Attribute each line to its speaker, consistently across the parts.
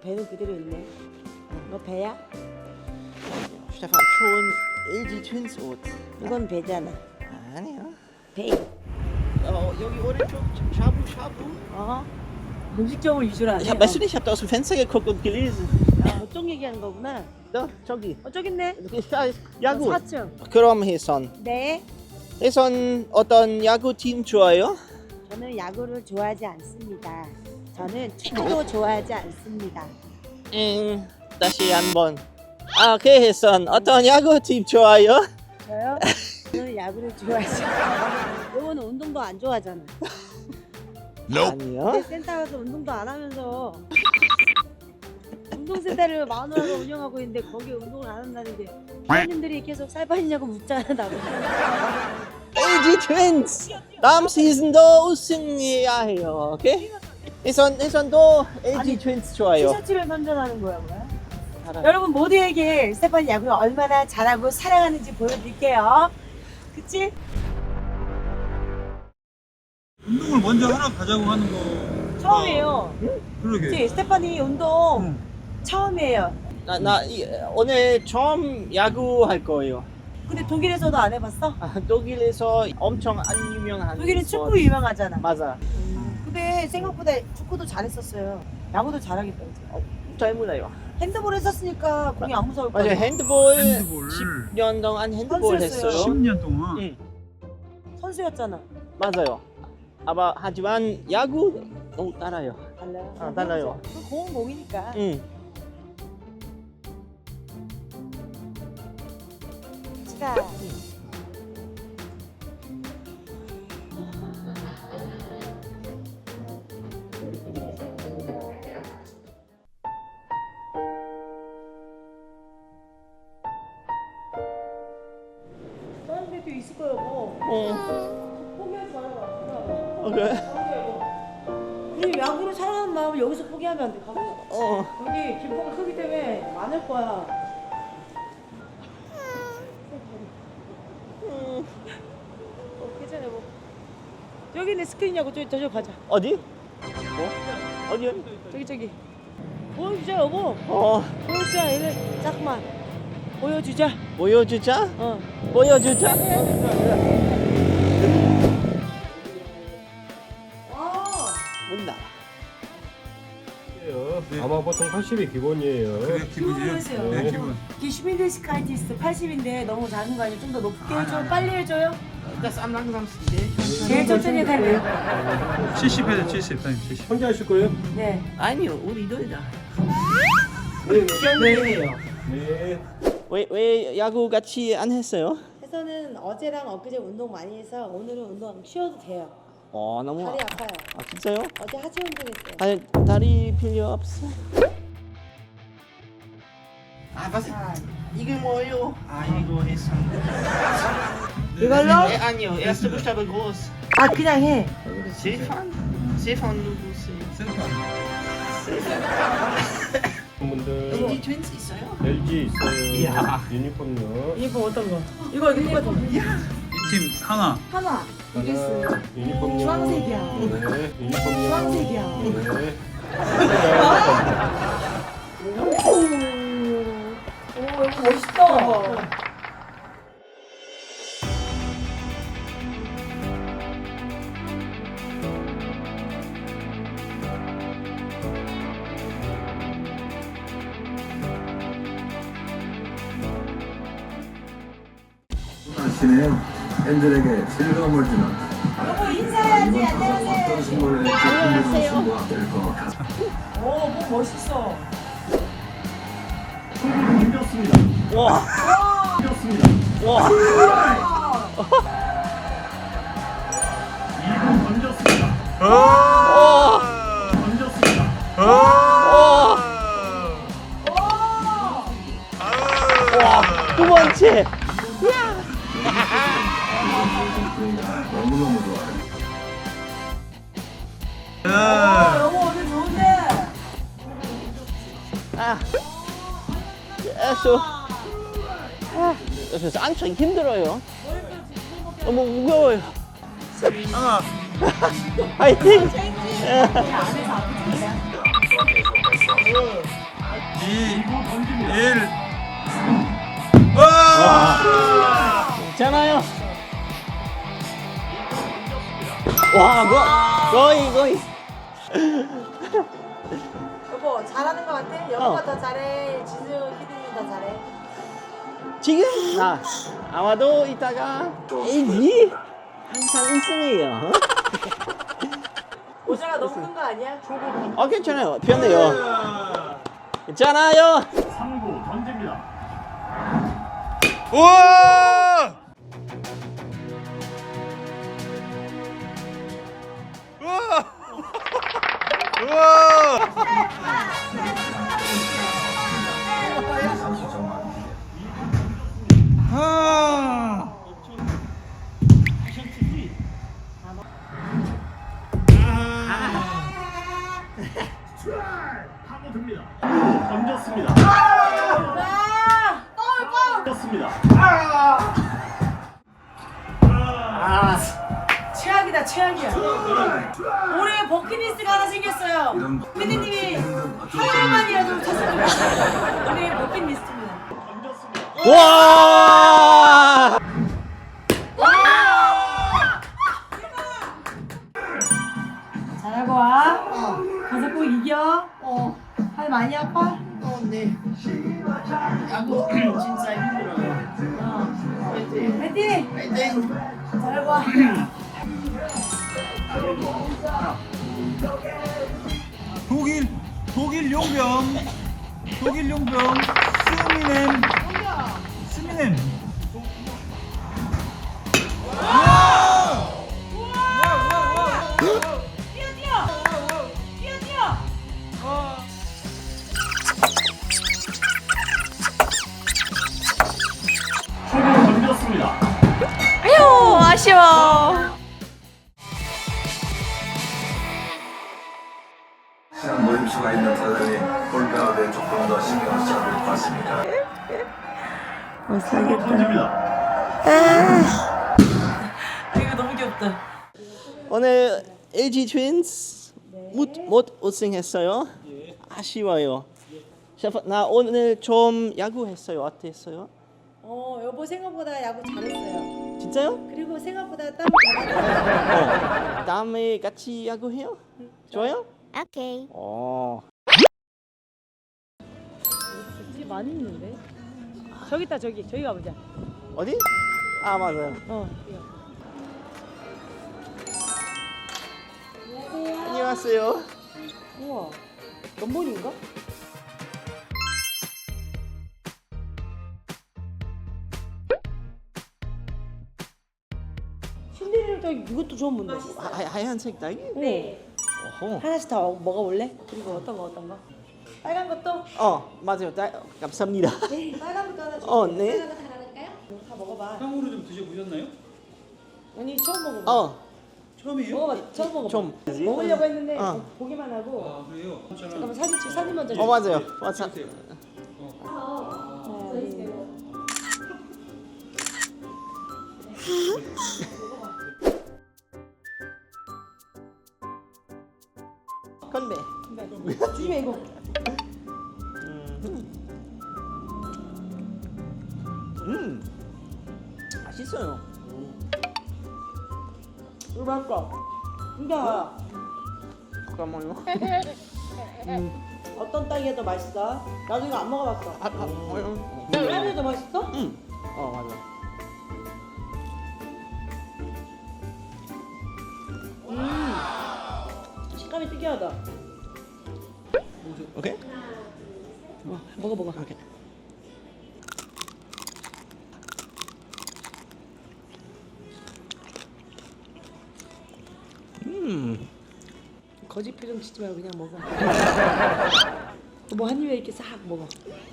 Speaker 1: 배는 그대로 있네. 너 배야?
Speaker 2: Stefan, 좋은 LG Twins 옷.
Speaker 1: 이건 배잖아.
Speaker 2: 아니요.
Speaker 1: 배.
Speaker 2: 여기 오른쪽 샤브샤브.
Speaker 1: 음식점을 위주로 하네.
Speaker 2: Weißt du nicht, ich habe da aus dem Fenster geguckt und gelesen.
Speaker 1: 저쪽 얘기하는 거구나.
Speaker 2: 너 저기.
Speaker 1: 저기 있네.
Speaker 2: 야구.
Speaker 1: 4층.
Speaker 2: 그럼 혜선.
Speaker 1: 네.
Speaker 2: 혜선 어떤 야구팀 좋아요?
Speaker 1: 저는 야구를 좋아하지 않습니다. 저는 축구도 좋아하지 않습니다.
Speaker 2: 다시 한번. 오케이 혜선 어떤 야구팀 좋아요?
Speaker 1: 저요? 저는 야구를 좋아하지 않아요. 요거는 운동도 안 좋아하잖아.
Speaker 2: 아니요.
Speaker 1: 근데 센터 가서 운동도 안 하면서 운동센터를 마누라가 운영하고 있는데 거기에 운동을 안 한다는데 회원님들이 계속 살 빠지냐고 묻잖아 나보고.
Speaker 2: LG Twins 다음 시즌도 우승해야 해요. 오케이? 혜선도 LG
Speaker 1: 아니,
Speaker 2: Twins 좋아요.
Speaker 1: 티셔츠를 선전하는 거야 뭐야?
Speaker 2: 알아요.
Speaker 1: 여러분 모두에게 스테판 야구를 얼마나 잘하고 사랑하는지 보여드릴게요. 그치?
Speaker 3: 운동을 먼저 하나 가자고 하는 거
Speaker 1: 처음이에요.
Speaker 3: 그러게.
Speaker 1: 그치? 스테판이 운동 처음이에요.
Speaker 2: 오늘 처음 야구 할 거예요.
Speaker 1: 근데 독일에서도 안 해봤어?
Speaker 2: 독일에서 엄청 안 유명한
Speaker 1: 독일은
Speaker 2: 스포츠.
Speaker 1: 축구 유명하잖아.
Speaker 2: 맞아.
Speaker 1: 근데 생각보다 축구도 잘했었어요. 야구도 잘하겠다 이제.
Speaker 2: 잘 몰라요.
Speaker 1: 핸드볼 했었으니까 공이 안 무서울
Speaker 2: 맞아요.
Speaker 1: 거야.
Speaker 2: 핸드볼
Speaker 3: 핸드볼.
Speaker 2: 10년 동안 핸드볼
Speaker 1: 선수였어요.
Speaker 2: 했어요.
Speaker 3: 10년 동안.
Speaker 2: 응.
Speaker 1: 선수였잖아.
Speaker 2: 맞아요. 하지만 야구 너무 달라요.
Speaker 1: 달라요?
Speaker 2: 달라요.
Speaker 1: 그 공은 공이니까.
Speaker 2: 응.
Speaker 1: 자. 다른 데도 있을 거예요, 뭐. 포기하지 말아봐.
Speaker 2: 오케이.
Speaker 1: 우리 야구를 사랑하는 마음을 여기서 포기하면 안 돼. 가보자.
Speaker 2: 어.
Speaker 1: 여기 길목이 크기 때문에 많을 거야. 괜찮아 뭐. 여기 있는 스크린이냐고 저쪽 가자.
Speaker 2: 어디? 어디요?
Speaker 1: 저기. 보여주자 여보. 보여주자 얘네 잠깐만. 보여주자.
Speaker 2: 보여주자. 보여주자. 문다.
Speaker 4: 아마 보통 80이 기본이에요.
Speaker 3: 그게 기분이에요?
Speaker 1: 기분이세요.
Speaker 3: 네, 기분.
Speaker 1: 이게 슈미데시카이티스트 80인데 너무 작은 거 아니에요? 좀 더 높게 해줘. 빨리 해줘요.
Speaker 2: Das am langsamsten.
Speaker 1: 제일 천천히 해달래요.
Speaker 3: 70 해야 돼, 70. 아니, 70.
Speaker 4: 혼자 하실 거예요?
Speaker 1: 네.
Speaker 2: 아니요, 우리들다.
Speaker 4: 네.
Speaker 2: 왜 야구 같이 안 했어요?
Speaker 1: 해서는 어제랑 엊그제 운동 많이 해서 오늘은 운동 쉬어도 돼요.
Speaker 2: 너무.
Speaker 1: 다리 아파요.
Speaker 2: 진짜요?
Speaker 1: 어제 하체 운동했어요.
Speaker 2: 다리 필요 없어. was? 이게 뭐예요? 이거 했어.
Speaker 1: 이걸로?
Speaker 2: 아니요, erste Buchstabe groß.
Speaker 1: 그냥 해.
Speaker 2: Stefan? Stefan 누구세요?
Speaker 3: 센터.
Speaker 4: 분들
Speaker 2: LG Twins 있어요?
Speaker 4: LG 있어요.
Speaker 2: 이야.
Speaker 4: 유니폼요.
Speaker 1: 유니폼 어떤 거? 이거 똑같은 거.
Speaker 3: 이 팀 하나.
Speaker 1: 하나. 이겼어요.
Speaker 4: 유니폼요.
Speaker 1: 주황색이야.
Speaker 4: 네. 유니폼요.
Speaker 1: 주황색이야.
Speaker 4: 네.
Speaker 1: 오, 이거 멋있다.
Speaker 5: 아침에 팬들에게 즐거움을 주는
Speaker 1: 여보 인사해야지.
Speaker 5: 이번 타석 어떤 승부를 낼지 궁금한 승부가 될 것 같습니다.
Speaker 1: 오, 뭐 멋있어.
Speaker 5: 초구를 던졌습니다.
Speaker 2: 와.
Speaker 5: 던졌습니다.
Speaker 2: 와.
Speaker 5: 2구 던졌습니다.
Speaker 2: 와.
Speaker 5: 던졌습니다.
Speaker 2: 와. 두 번째.
Speaker 5: 너무너무 좋아요.
Speaker 1: 여보 오늘 좋은데.
Speaker 2: 그래서 안strengend 힘들어요. 너무 무거워요. 화이팅!
Speaker 3: 1.
Speaker 2: 괜찮아요. 와, 거의.
Speaker 1: 여보 잘하는 거 같아? 여보가 더 잘해. 지수 피디님 더 잘해.
Speaker 2: 지금 아마도 이따가 LG 항상 우승해요.
Speaker 1: 모자가 너무 큰 거 아니야?
Speaker 2: 괜찮아요. 편해요. 괜찮아요.
Speaker 3: 3구 던집니다. 우와! 우와! 우와! 아! 파고듭니다. 던졌습니다. 던졌습니다.
Speaker 1: 최악이다 최악이야. 올해 버킷리스트가 하나 생겼어요. 피디님이 하루만이라도 쳤으면 좋겠어요. 올해 버킷리스트입니다.
Speaker 2: 와!
Speaker 1: 잘하고 와. 가서 꼭 이겨. 팔 많이 아파?
Speaker 2: 네. 야구 진짜 힘들어요.
Speaker 1: 파이팅!
Speaker 2: 파이팅!
Speaker 1: 잘하고 와.
Speaker 3: 독일 용병 스미넴 던졌습니다.
Speaker 6: 아유 아쉬워.
Speaker 5: 시간 노임수가 있는 타자니 볼배합에 조금 더 신경을 써야 될 것 같습니다.
Speaker 3: 던집니다.
Speaker 1: 이거 너무 귀엽다.
Speaker 2: 오늘 LG 트윈스 못 우승했어요. 아쉬워요. 셰프, 나 오늘 좀 야구했어요. 어땠어요?
Speaker 1: 여보 생각보다 야구 잘했어요.
Speaker 2: 진짜요?
Speaker 1: 그리고 생각보다 땀 잘
Speaker 2: 다음에 같이 야구해요? 좋아요?
Speaker 6: 오케이.
Speaker 1: 되게 많이 있는데? 저기 있다 저기 가보자.
Speaker 2: 어디? 맞아요.
Speaker 1: 이거.
Speaker 2: 안녕하세요.
Speaker 1: 우와, 연본인가? 신데렐라 딸기 이것도 처음 본다.
Speaker 2: 하얀색 딸기?
Speaker 1: 네.
Speaker 2: 어허.
Speaker 1: 하나씩 다 먹어볼래? 그리고 어떤 거? 빨간 것도?
Speaker 2: 맞아요. 감사합니다.
Speaker 1: 네, 빨간 것도 하나 줘.
Speaker 2: 네.
Speaker 1: 다 먹어봐.
Speaker 3: 향으로 좀 드셔보셨나요?
Speaker 1: 아니 처음 먹어봐.
Speaker 3: 처음이에요?
Speaker 1: 먹어봐. 처음 먹어봐.
Speaker 2: 좀.
Speaker 1: 먹으려고 했는데
Speaker 2: 어.
Speaker 1: 보기만 하고.
Speaker 3: 아 그래요?
Speaker 1: 잠깐만 사진 먼저. 줘.
Speaker 2: 맞아요.
Speaker 3: 네,
Speaker 2: 맞아.
Speaker 3: 드세요.
Speaker 1: 하나, 둘.
Speaker 2: 건배.
Speaker 1: 조심해 이거.
Speaker 2: 맛있어요.
Speaker 1: 이거 맛있다. 진짜.
Speaker 2: 잠깐만요.
Speaker 1: 어떤 딸기가 더 맛있어? 나도 이거 안 먹어봤어. 딸기가 더 맛있어?
Speaker 2: 맞아.
Speaker 1: 식감이 특이하다.
Speaker 2: 오케이.
Speaker 1: 먹어.
Speaker 2: 오케이.
Speaker 1: 거짓 표정 짓지 말고 그냥 먹어. 뭐 한 입에 이렇게 싹 먹어.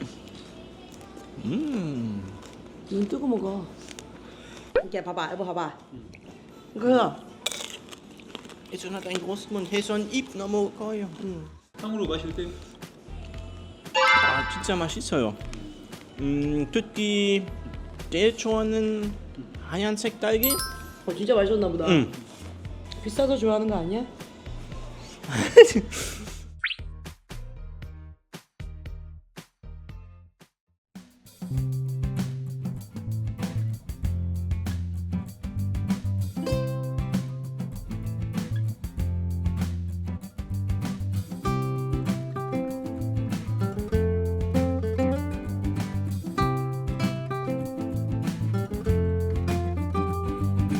Speaker 1: 눈 뜨고 먹어. 이렇게 봐봐, 여보 봐봐. 이거
Speaker 2: Jetzt hat einen großen Mund. Hey, so ein 입 너무 커요.
Speaker 3: 향으로 마실 때
Speaker 2: 진짜 맛있어요. 특히 제일 좋아하는 하얀색 딸기?
Speaker 1: 진짜 맛있었나 보다. 비싸서 좋아하는 거 아니야?